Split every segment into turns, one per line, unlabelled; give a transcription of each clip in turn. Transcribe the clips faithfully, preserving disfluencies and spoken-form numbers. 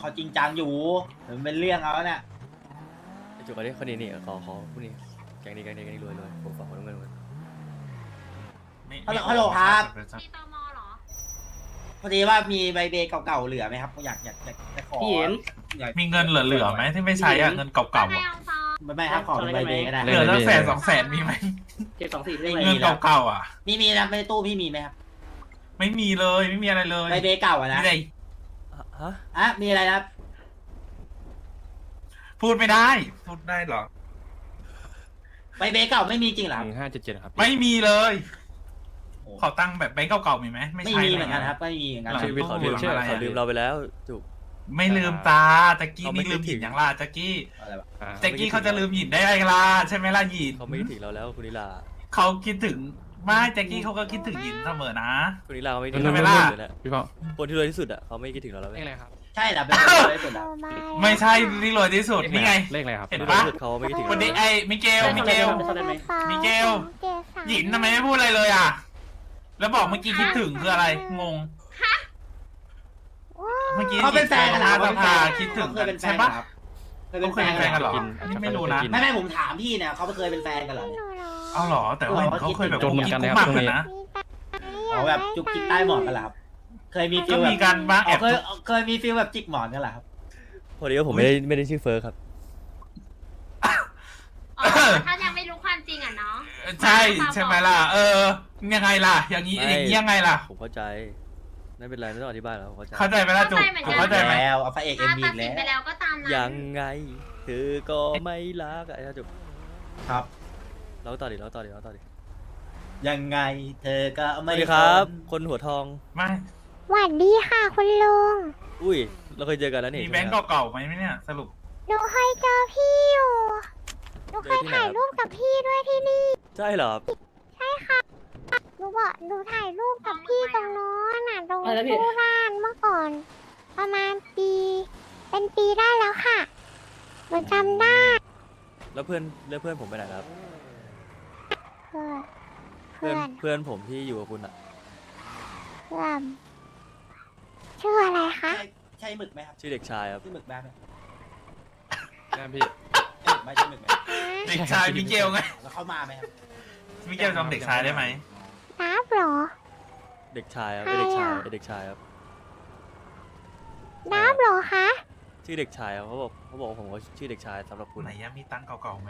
เขาจริงจังอยู่มันเป็นเรื่องเอาเนี่ย
ไอ้จุกอันนี้คนนี้นี่ขอขอผู้นี้แกงนี้แกงนี้แกงนี้รวยรวยผมฝากคนต้องเงินกัน
ฮัลโหลฮัลโหลครับ
มีตมเหรอ
พอดีว่ามีใบเบเก่าๆเหลือไหมครับอยากอยากอยากจะขอ
พี่เห็น
อยาก
มีเงินเหลือๆไหมที่ไม่ใช้อะเงินเก่าๆ
ให้
อะ
เอาซอง
ไม่ไม่ครับขอเป็นใบเบก็ได้
เหลือสักแสนสองแสนมีไหม
เจ็ดสองสี่
ไม่
ได้
มี
ไหม
เงินเก่าๆอ่ะ
มีมีนะในตู้พี่มีไหมครับ
ไม่มีเลยไม่มีอะไรเลย
ใบเบเก่าอะนะ
มีอะไร
ฮะ
อ่ะมีอะไรนะครับ
พูดไม่ได้พูดได้เหรอ
ใบเบเก่าไม่มีจริงเหรอ
ห
ครับ
นึ่งห้าเจ็ดเจ็ดครับ
ไม่มีเลย
โอ้
ขอตั้งค์แบบแบงก์เก่าๆมีไหมไม่
ไม่
ใช่
มี
ลย
เหมือนกันครับไม่มีเหมือนกัน
หลัง
ชีวิตเขาลืม
ตู้หลังอะไรอะ
เขาลืมเราไปแล้วจุก
ไม่ลืมตาแจ็กกี้
เขาไม่
นี่ลืมหยิน
คิดถึง
อย่างล่ะแจ็กกี้
อะไรวะ
แจ็กกี้เขาจะลืมหยินได้ไงล่ะใช่ไหมล่ะหยิน
เขาไม่คิดถึงเราแล้วคุณนิลา
เขาคิดถึงไม่แจ็กกี้เขาก็คิดถึงหยินเสมอนะ
คุณนิลาเขาไม่คิด
ใช่
ถึง
ไหม
เรา
ล่ะ
เลยแหละ
พี่เป้า
คนที่รวยที่สุดอ่ะเขาไม่คิดถึงเราแล้ว
เลขอะไรครับ
ใช่เหรอเป็นคนที่สุดเหรอ
ไม่ใช่ที่รวยที่สุดนี่ไง
เลขอะไรครับ
เห็น
คนที่รวย
ปะ
ที่สุดเขาไม่คิดถึง
คน
เรา
นี้ไอ้มิเกลมิเกล
เข้าได้ไหม
มิเกล หยินทำไมไม่พูดอะไรเลยอ่ะ แล้วบอกเมื่อกี้คิดถึงคืออะไรงงเมื่อกี้
เขาเป็นแฟนกันเหรอ
ห
เขา
ส
เป็นแฟ
ภาน คิดถึง
เคยเป็นแฟ
ใช่
นกั
ปะ
นเหรอครับเคย
เขา
เป็น
เค
แฟ
ย
น
เป็นแฟ
กัน
น
เห
กั
รอ
นเหรอนี่ไม่รู้นะ
ไม่ไม่ผมถามพี่เนี่ยเขาเคยเป็นแฟนกันเหรอเนี่ย
เอาเหรอแต่ว่าเห็นเขาเคยแบบ
จนเหมือนกันเลยครับ
กุ๊
ตรงนี้
นะ
เขาแบบจุกจิกใต้หมอนกันเหรอครับเคยมีฟิ
ก็
ลแบ
มี
บ
การบ้างแอ
อ๋อบ เคย
จุ๊บ
เคยมีฟิลแบบจิกหมอนกันเหรอครับ
พอดีว่าผมไม่ได้ไม่ได้ชื่อเฟิร์สครับ
อ๋อถ้ายังไม่รู้ความจริงอ่ะเนาะ
ใช่ใช่ไหมล่ะ เออ ยังไงล่ะ อย่างนี้
ไม่
อย่างนี้ยังไงล่ะ
ผมเข้าใจไม่เป็นไรไม่ต้องอธิบายแล้วผมเข้าใจ
เข้าใจไหมล่ะจุ๊บผมเข้าใจไหม
แล้วเอาพระเอกเอ็ม
ถ้า
บี
ตัด
แล้
สิน
ว
ไปแล้วก็ตามนั้น
ยังไงเธอก็ไม่รักอะไอ้จุก
ครับ
เราต่อดิเราต่อดิเราต่อดิ
ยังไงเธอก็
ส
ไม่
วัสดีครับ
น
คนหัวทอง
ไม่
หวัดดีค่ะคุณลุง
อุ้ยเราเคยเจอกันแล้วนี่
มี
ใช่
แบ
ไห
ง
ม
ก์
ครับ
เก่าๆไหมเนี่ยสรุป
หนูเคยเจอพี่อยู่ หนูเคยถ่ายรูปกับพี่ด้วยที่นี่
ใช่เหรอครับ
หนูบอกหนูถ่ายรูปกับพี่ตรงโน้นน่ะตรง
อะไรนะพี่
ตู้ร้านเมื่อก่อน ประมาณปี เป็นปีได้แล้วค่ะหนูจำได้
แล้วเพื่อนแล้วเพื่อนผมไปไหนแล้วครับ
เพื่อน
เพื่
เพื่
อ
อน น
เพื่อนผมที่อยู่กับคุณอะ
เพื่อนชื่ออะไรคะ
ใช่ใช่หมึกไหมครับ
ชื่อเด็กชายครับ
ชื่อหมึกแบ๊บไหม
แม่พี่
ใช่หมึกไหมใช่หมึกไหม
เด็กชายมิเกลไง
แล้วเขามาไหมครับ
มิเกลจำเด็กชายได้ไหม
นับเหรอ
เด็กชายครับ
ใคร
ไอ้เด็กชาย
อะ
ไอ้เด็กชายครับ
นับเหรอคะ
ชื่อเด็กชายครับเขาบอกเขาบอกว่าผมเขาชื่อเด็กชายสำหรับคุณ
ไหนยังมีตังค์เก่าๆไหม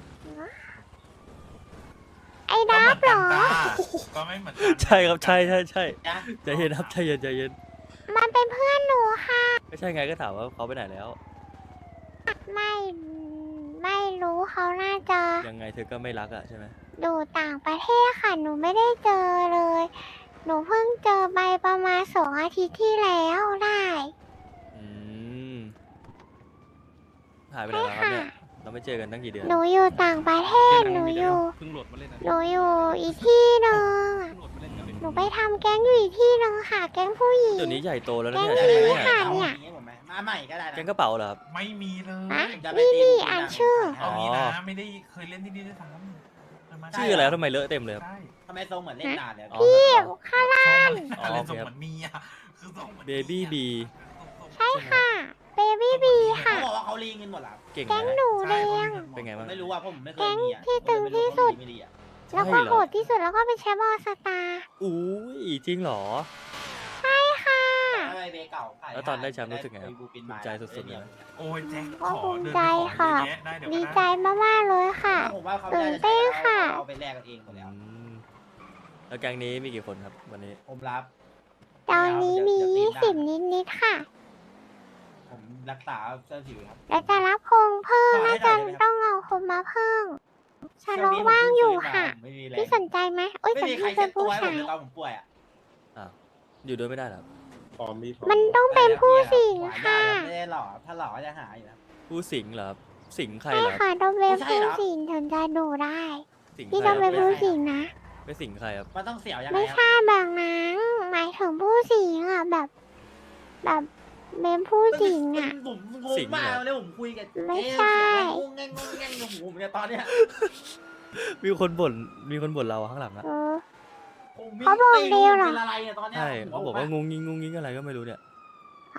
ไอ้นับเหรอ
ก็ไม่เหมือนกัน
ใช่ครับใช่ใช่ใช่
นะ
ใจเย็นครับใจเย็นใจเย็น
มันเป็นเพื่อนหนูค่ะ
ไม่ใช่ไงก็ถามว่าเขาไปไหนแล้ว
ไม่ไม่รู้เขาน่าจะ
ยังไงเธอก็ไม่รักอะใช่ไหม
อยู่ต่างประเทศค่ะ หนูไม่ได้เจอเลย หนูเพิ่งเจอไปประมาณสองอาทิตย์ที่แล้วได้
อืมหายไปไหนแล้วครับเนี่ยเราไม่เจอกันตั้งกี่เดือน
หนูอยู่ต่างประเทศ หนูอยู่
เพิ่งโหลดมาเล่นนะ
หนูอยู่อีกที่หนึ่ง
เพิ่งโหลดมาเล่นกันเลย
หนูไปทำแก๊งอยู่อีกที่หนึ่งค่ะ แก๊งผู้หญิง
เดี๋ยวนี้ใหญ่โตแล้วนะ
แก๊ง
เนี่ย
นี้
ใช่ไหมเนี่ย
ค่ะ
เอาอย่างนี้ผมไหมมาใหม่ก็ได้นะ
แกงกระเป๋าเหรอครับ
ไม่มีเลย
อะ
ผมจะไป
นี่
ตี
นี่
คุณ
อ่าน
นะ
ชื่อ
เอางี้นะไม่ได้เคยเล่นที่นี่ด้วยซ้ำ
ชื่ออะไรครับทำไมเลอะเต็มเลยครับ
ใช่
ทำไมทรงเหมือนเล่นนานเนี่ย
อ๋อ
พี่ข้างล่าง
ทรงอะไรทรงเหมือนมีอ่ะคือทรงหมือน
เบบี้บี
ใช่ค่ะเบบี้บีค่ะ
เขาบอกว่าเขารีเงินหมดแล้ว
เก่ง
แก๊ง
นะ
หนูแดง
เป็นไงบ้าง
ไม่รู้ว่าผมไม่เคย
แก๊ง
มีอ่ะ
ที่ตึงที่สุด
ไม่ดีอ่ะ
แล้ว
ใช่
ก็
เหร
โห
อ
ดที่สุดแล้วก็เป็นแชมป์ออลสตาร์
อุ้ยจริงเหรอ
ค่ะ
ถ้าไปเบเก่าขาย
แล้วตอนได้แชมป์รู้สึกไงครับ
ปบูปิน
ภูมิใจสุดๆเลยนะ
โอ้ยแจ็ค
ก็
ขอ
ภูมิ
เดิน
ใจ
ไปขอ
ค่ะ
เยอะแยะได้เดี๋ยว
ดี
ก็
ใจ
ได้
มากๆเลยค่ะ
ผมว่าเขา
ตื่
ไม่
น
ได้
เต้นค่ะ
เอาไปแลกกันเองหมดแล้ว
อืมแล้วแก๊งนี้มีกี่คนครับวันนี้
ผมรับ
ตอนนี้มียี่สิบนิดๆค่ะ
ผมรักษาเสื้อผิวครับ
แล้วจะรับโครงเพิ่ม
ขอให้
น่าจะ
หน่อยได้ไหมครับ
ต้องเอาคนมาเพิ่มชาโลว่างอยู่ค่ะ
ไม่มีแรง
พี่สนใจไหมโอ้ย
ไม่
แต่
มีใคร
พี่
เช็
เป็
ด
น
ตัว
ผู้
ให้ผม
ชาย
เลยตอนผมป่วยอ่ะ
อ้าวอยู่ด้วยไม่ได้เหรอครับ
มันต้องเป็นผู้สิง
หวาน
ค่ะ
ได้ไม่ได้หล่อถ้าหล่อก็จะหาอยู่นะ
ผู้สิงเหรอครับสิงใคร
ใช่
เหรอครับ
ค่ะต้องเป็น
ไม่ใช่
ผู้
เหรอ
สิงถึงจะดูได้
สิง
พี่
ใคร
ต้อง
ค
เป็
รั
น
บ
ผู้สิงนะ
ไม่สิงใครครับ
มันต้องเสียวยังไง
ไม่
ครับ
ใช่แบบนั้นหมายถึงผู้สิงอ่ะแบบ แบบเป็นผู้สิงอ่ะ
ผมงงมากเลยผมคุยกับ
ไม่ใช่
งงแงงงงแงงกับผมเนี่ยตอนเนี้ย
มีคนบ่นมีคนบ่นเราข้างหลังอะ
เออ
ผมมี
เขาบอกเร็วเหรอ
เป็นอะไรเนี่ยตอนเนี้ย
ใช่
หั
เขา
ว
บอก
ผม
ว่างงงิงงงงิงอะไรก็ไม่รู้เนี่ย
อ้าว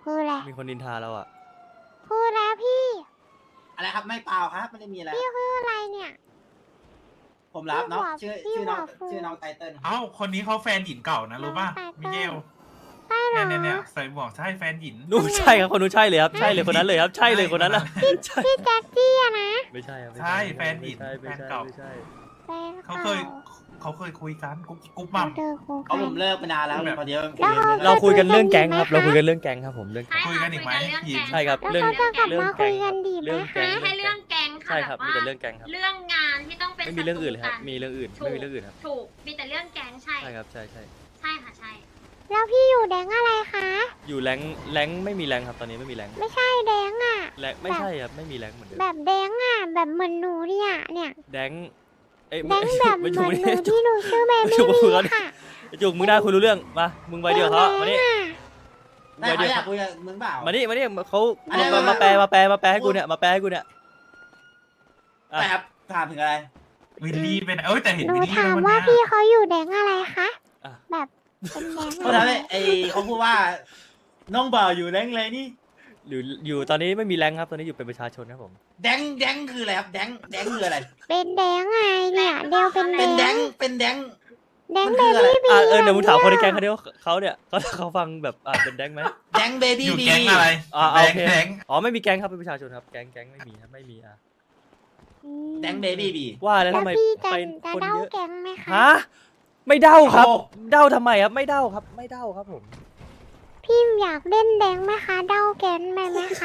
พูดอะไร
มีคนนินทาเราอ่ะ
พูดแล้วพี่
อะไรครับไม่เปล่าครับไม่ได้มีอะไร
พี่พูดอะไรเนี่ย
ผมรับเนาะ
พี่
ชื่อ
บอก
ชื่อน้อง
พี่บอก
ชื่อน้องไตเติ้ลครับ
เอ้าคนนี้เขาแฟนหยินเก่านะรู้ป่ะ
น้องไตเติ้ล
มิเกล
ใช่เหร
เนี่
อย
เนี่ยเนี่ยใส่หมวกใช่แฟนหยิน
นู่นใช่ครับคนนู้นใช่เลยครับใช่เลยคนนั้นเลยครับใช่เลยคนนั้นนะใช่
พี่แจ็คกี้อะนะ
ไม่ใช่ครับไม่
ใช่
ใช่
แฟนหญิง
ไม่ใช่ไม่
แฟน
ใช่
เก่า
ไม่ใช่
แฟน
เขา
เก่า
เคยเขาเคยคุยกันกุ๊กกุ๊กมัม
เจอครู
เขาผมเลิกไปนานแล้ว
แบบ
พอดีว่า
แล้วเขา
เราคุยกันเรื่องแก๊งครับเราคุยกันเรื่องแก๊งครับผมเรื่อง
ใช่
แก๊ง
คุยกันอีกไหม
คุยกัน
หยิน
เรื่องแก๊ง
ใช่ครับ
แล้ว
เรื่อง
เขาจะกลับ
เรื่อง
มา
แก๊
คุ
ง
ยกันดีไหม
เรื่องแก๊
คะ
ง
ให้เรื่องแก๊งค่ะ
ใช่ครับ
แบบ
มี
ว่า
แต่เรื่องแก๊งครับ
เรื่องงานที่ต้องเป็น
ไม่มีเรื่องอื่นเลยครับ
ศัต
มีเรื่องอื่น
ถูก
ไม่มีเรื่องอื่นครับ
ถูกมีแต่เรื่องแก๊งใช่
ใช่ครับใช่ใช่
ใช่ค่ะใช่
แล้วพี่อยู่แดงอะไรคะ
อยู่แรงแรงไม่มีแรงครับตอนนี้ไม่มีแรง
ไม่ใช่แดงอะ
แรงไม่ใช่ครับไม่มีแรงเหมือนเดิม
แบบแดงอะแบบเหมือนหนูเนี่ยเนี่ย
แดงเอ้ย
แดงแบบเห
ไม่
มื
ถู
อก น
ไม่
หนู
ถูก
ที่หนูชื่อเบ
ไม่
บี้
ถูก
บี
คุยกัน
ค่ะ
จุกมึงได้คุยรู้เรื่องมามึงไปเดียวเขามานี่
ได้
ไป
เขา
เดียว
อยากคุยกับมึงเปล่า
มานี่มานี่เขา
อันนี้
มามาแปลมาแปลมาแปลให้กูเนี่ยมาแปลให้กูเนี่ยอ่ะ
ไม่ครับถามถึงอะไร
วิลลี่เป็นเอ้ยแต่เห็น
หนู
วิลลี่
ถาม
แล้ว
ว่า
วัน
พี่
เนี้ย
เขาอยู่แดงอะไรคะ
อ่ะ
แบบเป็นแดง
เขาทำให้ไอเขาพูดว่า น้องบ่าวอยู่แดงเลยนี่
อยู่อยู่ตอนนี้ไม่มีแรงครับตอนนี้อยู่เป็นประชาชนครับผม
แดงแดงคืออะไรครับแดงแดงคืออะไร
เป็นแดงไงเนี่ยเดียวเป็นแด
เป็นแด
ง
งเป็นแดง
แดง
มัน
เบ
คืออะไร
บี้บี
อ่ะเออเดี๋ยวมึงถามคนในแก๊งเขาดิว่าเขาเนี่ยเขาเขาฟังแบบอ่ะเป็นแดงไหม
แดงเบบี้
อยู่
บี
แก๊งอะไร
อ่า
แด
โอง เค
แดง
อ๋อไม่มีแก๊งครับเป็นประชาชนครับแก๊งแก๊งไม่มีครับไม่มีอ่ะ
แดงเบบี้บี
ว่าแล้ว
แล้ว
ทำไม
พี่จะ
ไป
จะ
คน
เด้า
เยอะ
แก๊งไหมคะ
ฮะไม่เด้าครับ
โอ้
เด้าทำไมครับไม่เด้าครับ ไม่เด้าครับผม
พี่อยากเล่นแดงไหมคะเด้าแก๊งไหมไหมคะ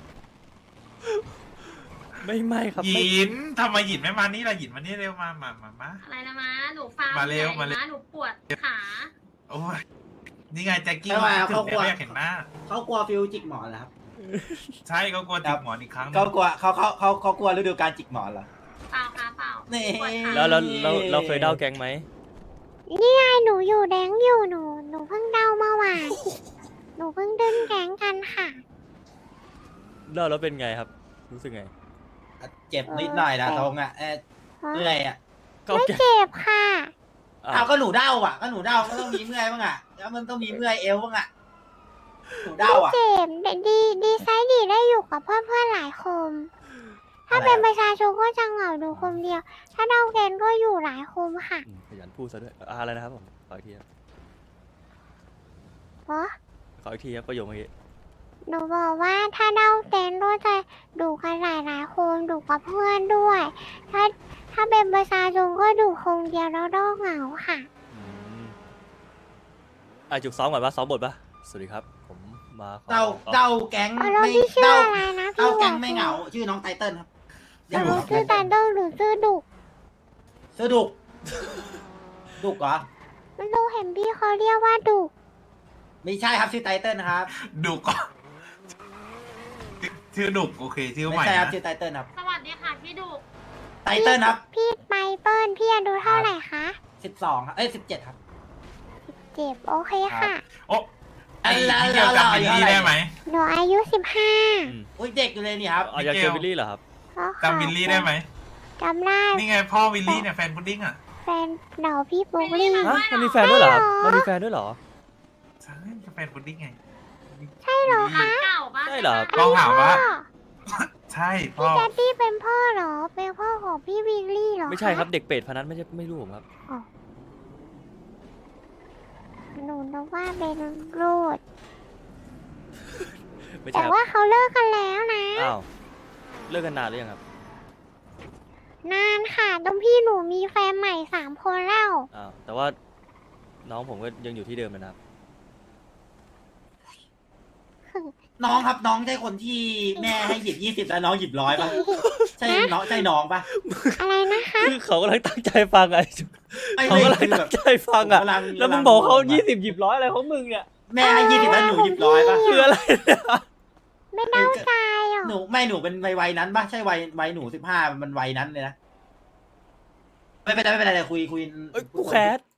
ไม่ไม่ครับ
ห
ไม่
ยินทำไมหยินไม่มานี่ล่ะหยินมานี่เร็วมามามามา
อะไรนะม้าหนูฟัง
มาเร็ว
ไหน
มาเร็ว
หนูปวดขา
โอ้ยนี่ไงแจ็คกี้
ทำไม
มา
อ่ะ
ถึ
เขา
ง
กลัว
เนี่ยไม่อยากเห็นหน้า
เขากลัวฟิวจิกหมอนเหรอครับ
ใช่เขากลัวจิกหมอนอีกครั้งหนึ่ง
เขากลัวเขาเขาเขาเขากลัวฤดูการจิกหมอนเหรอ
เปล่าค่ะเปล่า
นี่
ปวดขา
แล้วเราเราเราเคยเด้าแก๊งไหม
นี่ไงหนูอยู่แดงอยู่หนูหนูเพิ่งเด้าเมื่อวานหนูเพิ่งดึงแก๊งกันค่ะ
เด้าแล้วเป็นไงครับ รู้สึกไง
เจ็บนิดหน่อยนะตรงอ่ะเออเมื่อยอ่ะ
ก็
ไม่
แก๊ง
เจ็บค่ะ
อ่ะ
เอาก็หนูเด้าอ่ะก็หนูเด้าก็ต้องมีเมื่อยบ้างอ่ะแล้วมันต้องมีเมื่อยเอวบ้างอ่ะหนูเด้า
ไม่
อ่ะ
เจ็บดีดีไซน์ดีได้อยู่กับเพื่อนเพื่อนๆหลายคน ถ้าเป็นประชาชนก็จะเหงาดูคนเดียว ถ้าเด้าแก๊งก็อยู่หลายคนค่ะ
อืมขยันพูดซะด้วยอ่ะอะไรนะครับผมขออีกทีครับ
เพราะ
ขออีกทีครับประโยคเมื่อกี้
หนูบอกว่าถ้าเด้าแก๊งก็จะดูกันหลายหลายๆคนดูกับเพื่อนด้วย ถ้าถ้าเป็นประชาชนก็ดูคนเดียวแล้วเด้าเหงาค่ะ
อืมอ่ะจุกซ้อมก่อนปะซ้อมบทปะสวัสดีครับ ผมมาขอ
เด้า
ขอ
เด้าแก๊ง
เอาแล้ว
ไม่
พี่ชื่อ
เด้า
อะไรนะพี่
เด้าแก๊ง
บอก
ไม่เหงา ชื่อน้องไตเติ้ลครับ
แต่หนูชื่อตาเด้าหรือชื่อดุก
ชื่อดุกดุกเหรอ
ไม่รู้เห็นพี่เขาเรียกว่าดุก
ไม่ใช่ครับชื่อไตเติ้ลนะครับ
ดุกชื่อดุกโอเคชื่อให
ไม่
ม่
ใช่ครับ
นะ
ชื่อไตเติ้ลครับ
สวัสดีค่ะพี่ดุก
ไตเติ้ลครับ
พี่ไปเปิ้ลพี่อายุเท่าไหร่คะ
สิบสองครับเอ้ยสิบเจ็ดครับ
เจ็บโอเคค่ะ
โอ้ไอ้
แล้ว
ที่เดียวกับ
แล้ว
วิลลี่ได้ไหม
หนูอายุสิบห้า
อืม
อุ้ยเด็กอยู่เลยนี่ครับ
อ๋ออยากเจอวิลลี่เหรอครับ
จำวิลลี่ได้ไหม
จำได้
นี่ไงพ่อวิลลี่เนี่ยแฟนพุดดิ้งอ่ะ
แฟนเดาพี่ปุ๊กลี่
ฮะมันมีแฟนด้วยเหรอครับมันมีแฟนด้วยเหรอ
ใช่แฟนพุดดิ้งไง
ใช่เหรอ
ร้า
คะ
นเก่าปะ
ใช่เหรอ
ลองถามว่า
พ่อ
ใช่พ่
พี่
อ
แจ๊ดดี้เป็นพ่อเหรอ เป็นพ่อของพี่วิลลี่เหรอ
ไม่ใช่ครับ
ะ
เด็กเป็ดพนันไม่ใช่ไม่รู้ผมครับ
หนูนึกว่าเป็นรูด
ไม่ใช่
แต่
ครับ
ว่าเขาเลิกกันแล้วนะ
อ้าวเลิกกันนานหรือยังครับ
นานค่ะต้องพี่หนูมีแฟนใหม่สามคนแล้ว
อ้าวแต่ว่าน้องผมก็ยังอยู่ที่เดิมนะครับ
น้องครับน้องใช่คนที่แม่ให้หยิบยี่สิบแล้วน้องหยิบร้อยป่ะ ใช่น้องใช่น้องป่ะ
อะไรนะคะ
คือเขากำลังตั้งใจฟังไง
ไอ้
เขา
ไม่
กำลัง
คือแบ
ตั้
บ
งใจฟังอ่ะ
ผมกำลัง
แล้วมึง
กำลัง
บอกเขา
งงอะ
ยี่สิบหยิบร้อยอะไรของมึงเนี่ย
แม่ให้ยี่สิบแล้วหนูหยิบร้อยป่ะ
คืออะไรเนี่ย
ไม่เดาใจเหรอ
หนูไม่หนูเป็นวัยวัยนั้นป่ะใช่วัยวัยหนูสิบห้ามันวัยนั้นเลยนะไม่เป็นไรไม่เป็นไรเดี๋ยวคุยคุย
เอ้ยกูแคส